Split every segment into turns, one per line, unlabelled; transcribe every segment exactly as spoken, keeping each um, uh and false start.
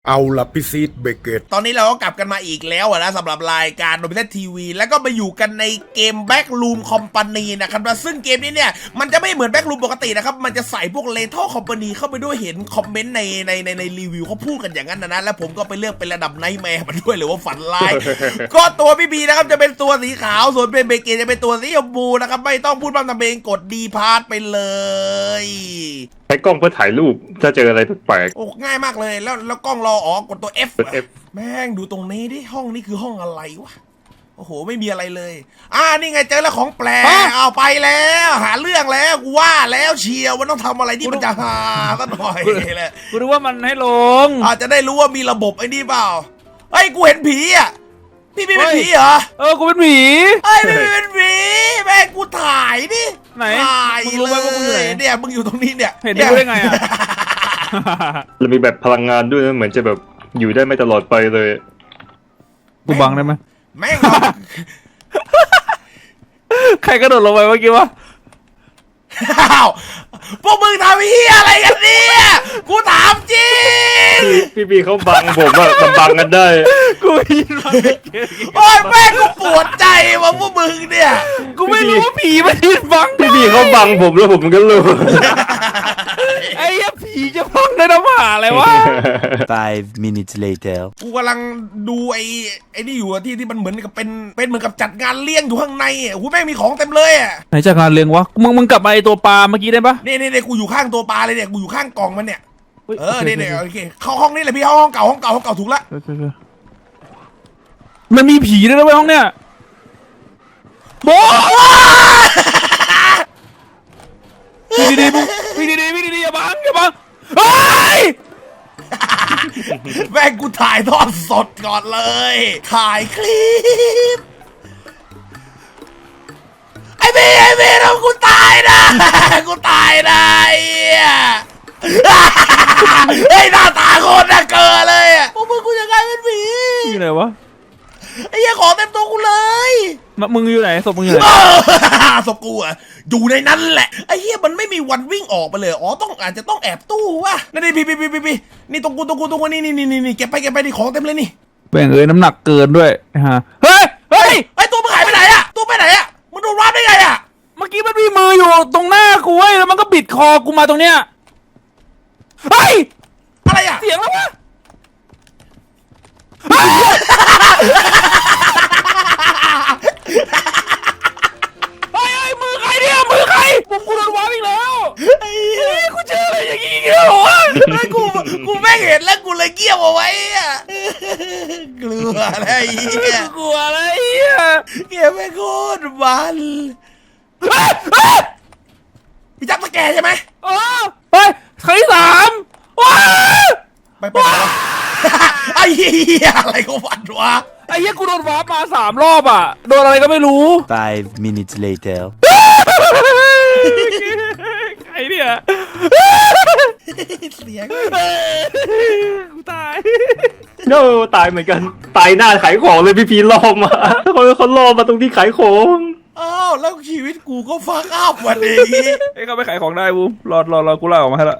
เอาละพี่ซีดเบเกต
ตอนนี้เราก็กลับกันมาอีกแล้วนะสำหรับรายการโนบิเททีวีแล้วก็มาอยู่กันในเกม Backroom Company นะครับซึ่งเกมนี้เนี่ยมันจะไม่เหมือน Backroom ปกตินะครับมันจะใส่พวก Lethal Company เข้าไปด้วยเห็นคอมเมนต์ในในในในรีวิวเขาพูดกันอย่างนั้นนะนะแล้วผมก็ไปเลือกเป็นระดับไนท์แมร์มาด้วยหรือว่าฝันร้าย ก็ตัวพี่บีนะครับจะเป็นตัวสีขาวส่วนเป็นเบเกตจะเป็นตัวสีชมพูนะครับไม่ต้องพูดพร่ำทำเพลงกดดีพาร์ตไปเลย
ใช้กล้องเพื่อถ่ายรูปถ้าเจออะไรแปลก
โอ้ง่ายมากเลยแล้วแล้วกล้องรออ๋อกดตัว F
กด F
แม่งดูตรงนี้ดิห้องนี้คือห้องอะไรวะโอ้โหไม่มีอะไรเลยอ่านี่ไงเจอแล้วของแปลกเอาไปแล้วหาเรื่องแล้วกูว่าแล้วเชียวว่าต้องทำอะไรที่มันจะหาซะหน่อยเลย
กูรู้ว่ามันให้ลง
อาจจะได้รู้ว่ามีระบบไอ้นี่เปล่าเฮ้ยกูเห็นผีอ่ะพี่พี่เป็นผีเหรอ
เออกูเป็นผี
เฮ้ยพี่เป็นผีแม่งกูถ่ายดิ
ไหน
ถ่าย
มึงรู้ไหมว่ากูอยู่ไหน
เนี่ยมึงอยู่ตรงนี้เนี่ย
เห็นได้ได้ไงอ่ะ
แล้วมีแบบพลังงานด้วยนะเหมือนจะแบบอยู่ได้ไม่ตลอดไปเลย
กูบังได้ไหม
แม่ง
ใครกระโดดลงไปเมื่อกี้วะ
อ้าวพวกมึงทำเฮียอะไรกันเนี่ยกูถามจริง
พี่พี่เขาบังผมอะมันบังกันได้
กูยินมา
โอ้ยแม่งกูปวดใจว่ะพวกมึงเนี่ย
กูไม่รู้ว่าผีมันยืนบัง
พี่พี่เขาบังผมแล้วผมก็รู้
ไอ้ยผีจะบังได้น้ำหาอะไรวะ
Five minutes later
กูกำลังดูไอ้ไอ้นี่อยู่ที่ที่มันเหมือนกับเป็นเป็นเหมือนกับจัดงานเลี้ยงอยู่ข้างในอ่ะกูแม่งมีของเต็มเลยอ่ะ
ไหนจากงานเลี้ยงวะมึงมึงกลับมาไอตัวปลาเมื่อกี้ได้ปะ
นี่นี่นี่กูอยู่ข้างตัวปลาเลยเนี่ยกูอยู่ข้างกล่องมันเนี่ยเออนี่นี่โอเคเข้าห้องนี่เลยพี่ห้องเก่าห้องเก่าห้องเก่าถูกละ
มันมีผีด้วยนะห้องเนี่ยโบ้พี่ดีๆพี่ดีๆพี่ดีๆอย่าบังอย่าบังเฮ้ย
แม่งกูถ่ายทอดสดก่อนเลยถ่ายคลิปไอ้เมย์ไอ้เมย์ทำกูตายนะกูตายนะไอ้หน้าตาโคตรน่าเกลียดเลยพวกมึงกูจะกลายเป็นผี
อยู่ไหนวะ
ไอ้เหี้ยของเต็มตัวกูเลย
มึงอยู่ไหนศพมึงอยู่ไหน
ศพกูอะอยู่ในนั้นแหละไอ้เหี้ยมันไม่มีวันวิ่งออกไปเลยอ๋อต้องอาจจะต้องแอบตู้วะนี่นี่พี่พี่พี่พี่นี่ตรงกูตรงกูตรงกูนี่นี่นี่นี่เก็บไปเก็บไปนี่ของเต็มเลยนี่
แบ่งเอ้ยน้ำหนักเกินด้วยฮะเฮ้ยเฮ้ย
ไอ้ตัวมึงหายไปไหนอะตัวไปไหนอะมึงโดนวาร์ปได้ไงอะ
เมื่อกี้มันมีมืออยู่ตรงหน้ากูเว้ยแล้วมันก็บิดคอกูมาตรงเนี้ยเฮ้ย
อะไรอะ
เสียงแล้ววะเฮ้ยเฮ้ยมือใครเนี่ยมือใครผมกูโดนวาร์ปอีกแล้วไอ้กูเจออะไรอย่างงี้เหรอวะ
กูกูแม่งเห็นแล้วกูเลยเกี้ยวเอาไว้อะกลัวอะไรเงี้ย
กลัวอะไรเงี้ย
เกี้ยไม่โคตรมันพี่จับตะแกใช่ไหม
เออเฮ้ยครั้งที่สามว้า
ไปไปไอ้เหี้ยอะไรก็ฝันวะ
ไอ้เหี้ยกูโดนวาร์ปมาสามรอบอ่ะโดนอะไรก็ไม่รู้
Five minutes later
ใครเนี่ย
เสียง
กูตาย
โน่ตายเหมือนกันตายหน้าขายของเลยพี่พีล่อมาเขาเขาล่อมาตรงที่ขายของ
อ้าวแล้วชีวิตกูก็ฟังอัพวันนี้
ไอ้เขาไปขายของได้บูมรอรอรอกูไล่ออกมาให้ละ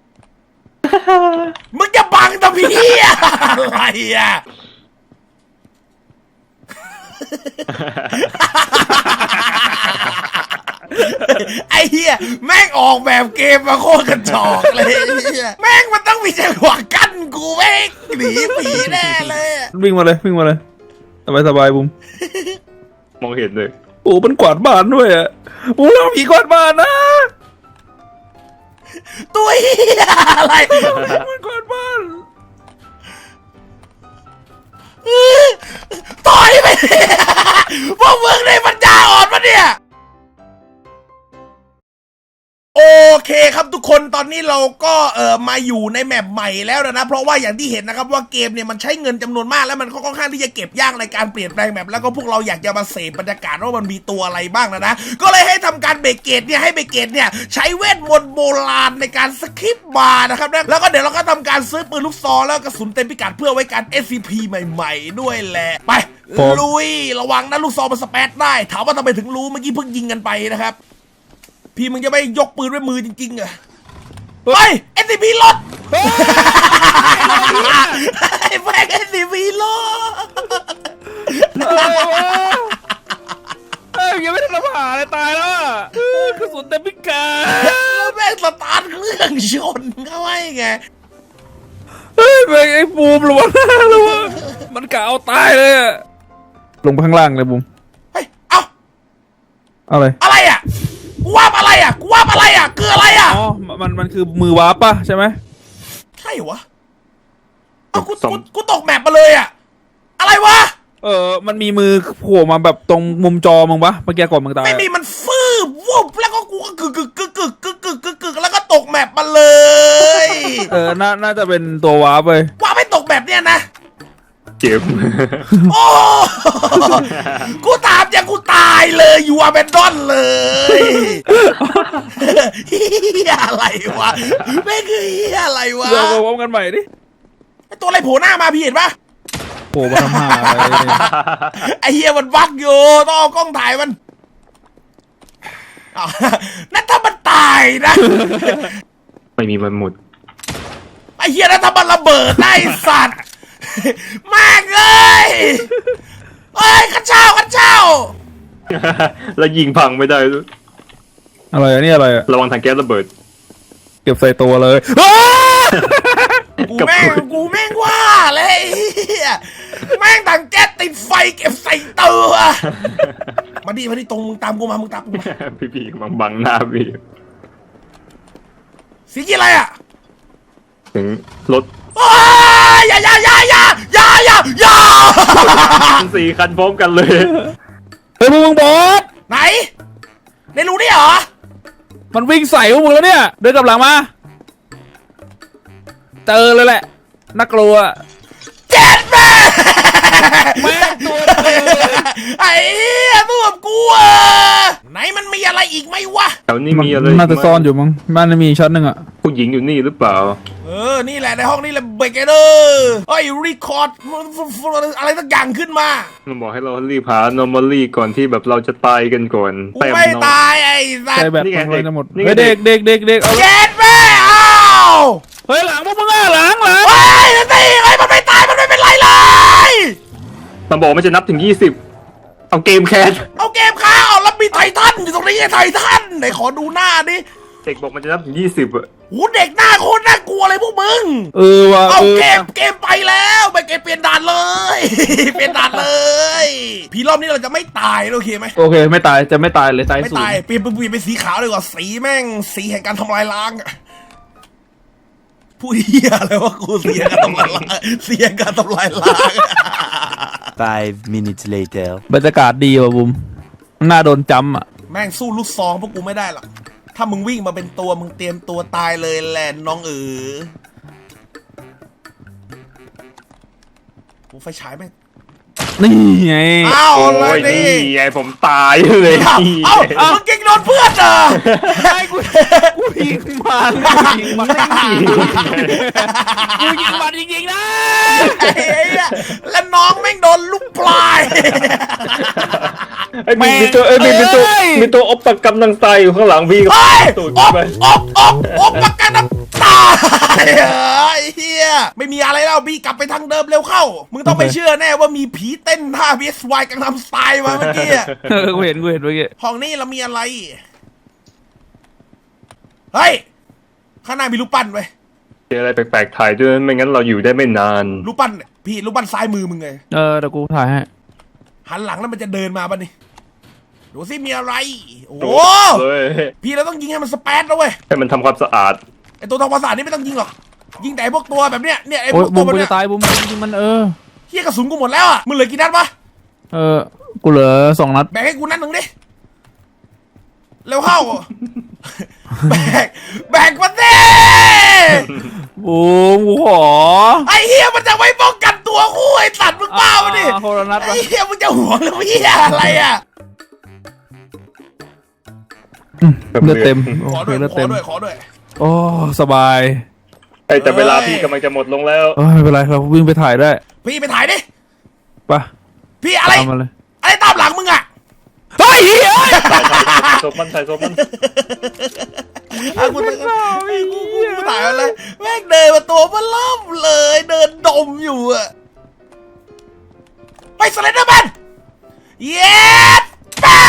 มึงจะบังตะพี่อะไรอ่ะไอ้เหี้ยแม่งออกแบบเกมมาโคตรกระจอกเลยแม่งมันต้องมีจังหวะกั้นกูแม่งหนีผีแน่เลย
วิ่งมาเลยวิ่งมาเลยสบายสบายบูม
มองเห็นเลย
โอ้มันกวาดบ้านด้วยอ่ะโอ้เราผีกวาดบ้านนะ
ตัวเหี้ยอะไร
มันกวาดบ้าน
ต่อยไปพวกมึงในปัญญาอ่อนปะเนี่ยโอเคครับทุกคนตอนนี้เราก็เออมาอยู่ในแมปใหม่แล้วนะเพราะว่าอย่างที่เห็นนะครับว่าเกมเนี่ยมันใช้เงินจำนวนมากแล้วมันค่อนข้างที่จะเก็บยากในการเปลี่ยนแปลงแมปแล้วก็พวกเราอยากจะมาเสพบรรยากาศว่ามันมีตัวอะไรบ้างนะนะก็เลยให้ทำการเบรกเกตเนี่ยให้เบรกเกตเนี่ยใช้เวทมนต์โบราณในการสคริปต์มานะครับแล้วก็เดี๋ยวเราก็ทำการซื้อปืนลูกซองแล้วกระสุนเต็มพิกัดเพื่อไว้การ เอส ซี พี ใหม่ๆด้วยแหละไปลุยระวังนะลูกซองมันสเปซได้ถามว่าทำไมถึงรู้เมื่อกี้เพิ่งยิงกันไปนะครับพี่มึงจะไม่ยกปืนด้วยมือจริงๆเหรอไป เอส ซี พี ลดไอ้แม่งไอ้สีวีโล
อะไรวะเอ้ยยังไม่ได้รับหาเลยตายแล้วอะเออกระสุนเต็มพิกา
แล้วแม่งสตาร์ทเครื่องชนเข้าไว้ไง
เฮ้ยแม่งไอ้บูมระวังระวังมันกะเอาตายเลยอะลงไปข้างล่างเลยบูม
เฮ้ยเอ้า
อะไร
อะไรอ่ะกูว่าอะไรอ่ะกูว่าอะไรอ่ะคืออะไรอ่ะ
อ๋อมันมันคือมือวาร์ปป่ะใช่ไหม
ใช่วะเอ้ากูกูกูตกแมปมาเลยอ่ะอะไรวะ
เออมันมีมือโผล่มาแบบตรงมุมจอมึงปะเมื่อกี้ก่อนมึงตาย
ไม่มีมันฟืบวุบแล้วก็กูก็กึกกึกกึกกึกกึกกึกกึกกึกแล้วก็ตกแมปมาเลย
เออน่าน่าจะเป็นตัววาร์ปเลย
ว่าไม่ตกแมปเนี่ยนะ
เจ็บ
โอ้ กูตามอย่างกูตายเลยอยู่อาเบนดอนเลยเฮียอะไรวะไม่คือเฮียอะไรวะ
เราพร้อมกันใหม่ดิ
ไอตัวอะไรโผล่หน้ามาพี่เห็นปะ
โผล่มาทำหาอะไร
ไอเฮียมันบักอยู่ต้องเอากล้องถ่ายมันอ้าวนั่นถ้ามันตายนะ
ไม่มีมันหมด
ไอเฮียนั่นถ้ามันระเบิดได้สัตว์แม่งเอ้ยเอ้ยข้าเจ้าข้าเจ้า
แล้วยิงพังไม่ได้ด้วย
อะไรอะนี่อะไรอะ
ระวังถังแก๊สระเบิด
เก็บใส่ตัวเลย
กูแม่งกูแม่งว่าเลยไอ้เหี้ยแม่งถังแก๊สติดไฟเก็บใส่ตัวมาดิมาดิตรงมึงตามกูมามึงตามกูมา
พี่พี่บังบังหน้าพี่
สีกี่อะไรอ่ะ
ถึงรถ
อ้ายอย่าอย่าอย่าอย่าอย่าอย่าอย่า
สี่คันพร้อมกันเลย
เฮ้ยพวกมึงบอส
ไหนในรูนี่เหรอ
มันวิ่งใส่พวกมึงแล้วเนี่ยเดินกลับหลังมาเจอเลยแหละน่ากลัว
เจ็ดแม่
แม่งตัวเดียวเลย
ไอ้เหี้ยตัวกับกูอ่ะไหนมันมีอะไรอีกไหมวะ
แถวนี้มีอะไร
น่าจะซ่อนอยู่มั้งมันมีชั้นหนึ่งอะ
ผู้หญิงอยู่นี่หรือเปล่า
เออนี่แหละในห้องนี่แหละเบรกเดอร์ไอ้รีคอร์ดอะไรสักอย่างขึ้นมา
มันบอกให้เรารีบหา normally ก่อนที่แบบเราจะตายกันก่อน
กูไม่ตายไอ้สัต
ใช่
ว์
แบบ
นี่ไง
มันจะหมด
นี่ไง
เฮ้ยเด็กเด็กเด็กเด็กเอา
เจ็ดแม่อ้าว
เฮ้ยหลังพวกมึงอะหลังหลัง
เฮ้ยนั่นสิเฮ้ยมันไม่ตายมันไม่เป็นไรเลย
มันบอกมันจะนับถึงยี่สิบเอาเกมแคส
เอาเกมข้าวแล้วมีไททันอยู่ตรงนี้ไงไททันไหนขอดูหน้าดิ
เด็กบอกมันจะนับถึงยี่สิบอะ
หูเด็กหน้าโคตรน่ากลัวเลยพวกมึง
เออว่ะ
เอา
เออ
เกมเกมไปแล้วไปเกมเปลี่ยนด่านเลย เปลี่ยนด่านเลยพี่รอบนี้เราจะไม่ตายโอเคไหม
โอเคไม่ตายจะไม่ตายเลยตาย
ไม่
สูง
ตายเปลี่ยนเป็นเปลี่ยนเป็นสีขาวเลยกว่าสีแม่งสีแห่งการทำลายล้างอะพูดเหี้ยอะไรวะกูสีแห่งการทำลายล้างสีแห่งการทำลายล้าง
Five minutes later.
บรรยากาศดีว่ะบุมหน้าโดนจำอ่ะ
แม่งสู้ลูกซองพวกกูไม่ได้หรอกถ้ามึงวิ่งมาเป็นตัวมึงเตรียมตัวตายเลยแหละน้องเอ๋อกูไฟฉายแม่ง
นี่ไง
อ้าว
โอ้
เลย
ย
นี่
นี่ไงผมตายเลย
เอ้า
นี่
เอ้ามึงเก่งโดนเพื่อนเหรอ
ไอ้กูกูยิงมันกูยิงมันกูยิงมันจริงๆนะ
ไอ้เหี้ยแล้วน้องแม่งโดนลูกปลาย
ไอ้ยมีมีตัวเอ้ยมีมีตัวมีตัวอบปากกำลังตายอยู่ข้างหลังพี่
เฮ้ย
ตูด
อบ
ไป
อบอบอบประกันน้ำตายเฮ้ยเฮียไม่มีอะไรแล้วบี้กลับไปทางเดิมเร็วเข้า มึงต้องไปเชื่อแน่ว่ามีผีเต้นท่า พี เอส วาย กังนำสไตล์มาเมื่อกี้อะ
เออกูเห็นกูเห็นเมื่อกี้
ห้องนี้เรามีอะไร เฮ้ย ข้างหน้ามีรูปปั้นไว้ย
เจออะไรแปลกๆถ่ายด้วยไม่งั้นเราอยู่ได้ไม่นาน
รูปปั้นเนี่ยพี่รูปปั้นซ้ายมือมึงไง
เออเดี๋ยวกูถ่ายให้
หันหลังแล้วมันจะเดินมาป่ะนี่ดูสิมีอะไร โอ้
โด
โห
ดเลย
พี่เราต้องยิงให้มันสเปซนะเว้ย
ให้มันทำความสะอาด
ไอตัวทองภาษานี่ไม่ต้องยิงหรอก ยิงแต่ไอ้พวกตัวแบบเนี้ย เนี่ยไอพ
โอ้ยว
ก
บุ
ตัว
ม
แบบ
กู
เนี้
จะ
ย
ตายบุมจริงๆมันเออ
เฮียกระสุนกูหมดแล้วอ่ะ มึงเหลือกี่นัดวะ
เออกูเหลือสองนัด
แบ่งให้กูนัดหนึ่งดิ เร็วเข้า แบกแบกมันดิ
บูมกูขอ
ไอ้เฮียมันจะไม่ป้องกันตัวกูไอ้สัตว์มึงเปล่าดิ
อ่าคนละนัด
ไอ้
ปะ
เฮียมึงจะห่วงหรือเฮียอะไรอ่ะ
เลือดเต็ม
ข
โอ
อ
เค
ด้วย
เลือด
ขอ
เต็ม
ด้วยขอด้วย
โอ้สบาย
ไอ้ยแต่เวลาพี่กำลังจะหมดลงแล้ว
เออไม่เป็นไรเราวิ่งไปถ่ายได้
พี่ไปถ่ายดิ
ปะ
พี่อะไร
ตามมาเลย
อะไรตามหลังมึงอ่ะ
เฮ้ยเฮ้ย
ศพมันถ่ายศพมัน
กูอ่ะกูกูกูกูถ่ายมาเลยแม่งเดินมาตัวมันล่ำเลยเดินดมอยู่อะไปสไลเดอร์แมนเย้แม่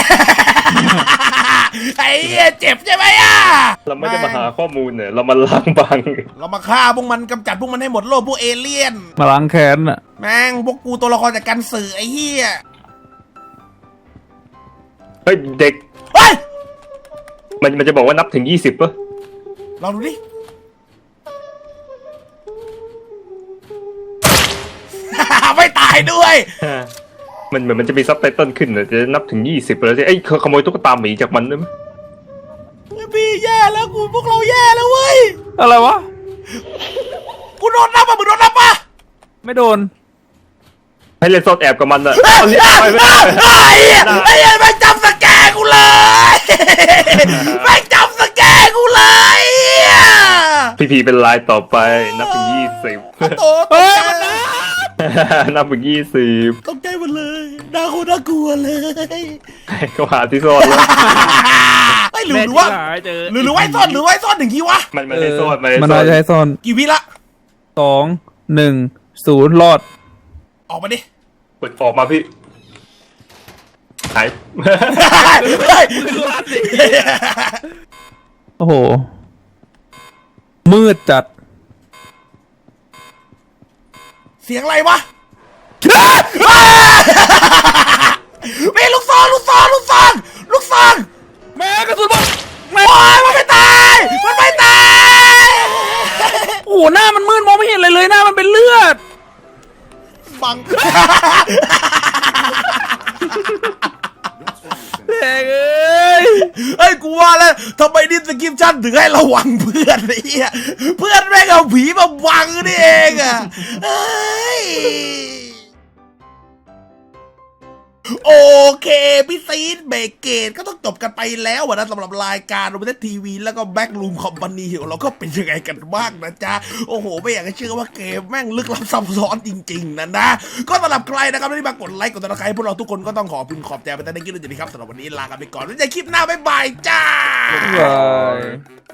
ไอ้เหี้ยเจ็บใช่ไหมอ่ะ
เราไม่ได้มาหาข้อมูลเนี่ยเรามาล้างบาง
เรามาฆ่าพวกมันกำจัดพวกมันให้หมดโลกพวกเอเลี่ยน
มาล้างแค้นอ่ะ
แม่งพวกกูตัวละครจากการสื่อไอ้เหี้ย
เฮ้ยเด็ก
เฮ้ย
มันมันจะบอกว่านับถึงยี่สิบป่ะ
ลองดูดิ ไม่ตายด้วย
มันเหมือนมันจะมีซับไตเติลขึ้นเลยจะนับถึงยี่สิบแล้วสิเอ้ยขโมยตุ๊กตาหมีจากมันได้ไหม
พี่แย่แล้วกูพวกเราแย่แล้วเว้ย
อะไรวะ
กูโดนนับอ่ะมึงโดนนับป่ะ
ไม่โดน
ให้เล่นซ่อนแอบกับมันอะ
ไอ้
เอาเนี่ยไปไม่ได้
เหี้ยไอ้เหี้ยแม่งจำสแกนกูเลยแม่งจำสแกนกูเลยเหี้ย
พี่พีเป็นลายต่อไปนับถึงยี่สิบ
โตตกใจหมดเลย
นับถึงยี่สิบ
ตกใจหมดเลยน่าโคตรน่ากลัวเลย
ก็หาที่ซ่อนแล้ว
ไอ้ยหรือหรือว่า
หายเจอ
หรือหรือไว้ซ่อนหรือไว้ซ่อนหนึ่งทีวะ
มันมันให้ซ่อนมันให้
มัน
ซ่อ
น่าน จะให้ซ่อน
กี่วิละ
สองหนึ่งศูนย์รอด
ออกมาดิ
เปิดออกมาพี่หาย
เฮ้ย
โอ้โห มืดจัด
เสียงอะไรวะมีลูกซองลูกซองลูกซองลูกซอง
แม่กระสุนบอล
โอ้ยมันไม่ตาย มันไม่ตาย
โอ้โหหน้ามันมืดมองไม่เห็นอะไรเลยหน้ามันเป็นเลือด
บัง
เด็กเอ้ย
เฮ้ยกูว่าแล้วทำไมดิสคริปชั่นถึงให้ระวังเพื่อนไอ้เหี้ยเพื่อนแม่งเอาผีมาวังนี่เองอ่ะเฮ้ยโอเคพี่ซีดเบรกเกตก็ต้องจบกันไปแล้วอะนะสำหรับรายการโรบินทีวีแล้วก็แบ็กรูมคอมพานีของเราก็เป็นยังไงกันบ้างนะจ๊ะโอ้โหไม่อยากจะเชื่อว่าเกมแม่งลึกลับซับซ้อนจริงๆนะนะก็สำหรับใครนะครับที่มากดไลค์กดติดตามพวกเราทุกคนก็ต้องขอบคุณขอบใจไปแต่ในคลิปนี้ครับสำหรับวันนี้ลากันไปก่อนไว้เจอคลิปหน้าบ๊ายบายจ้า
บาย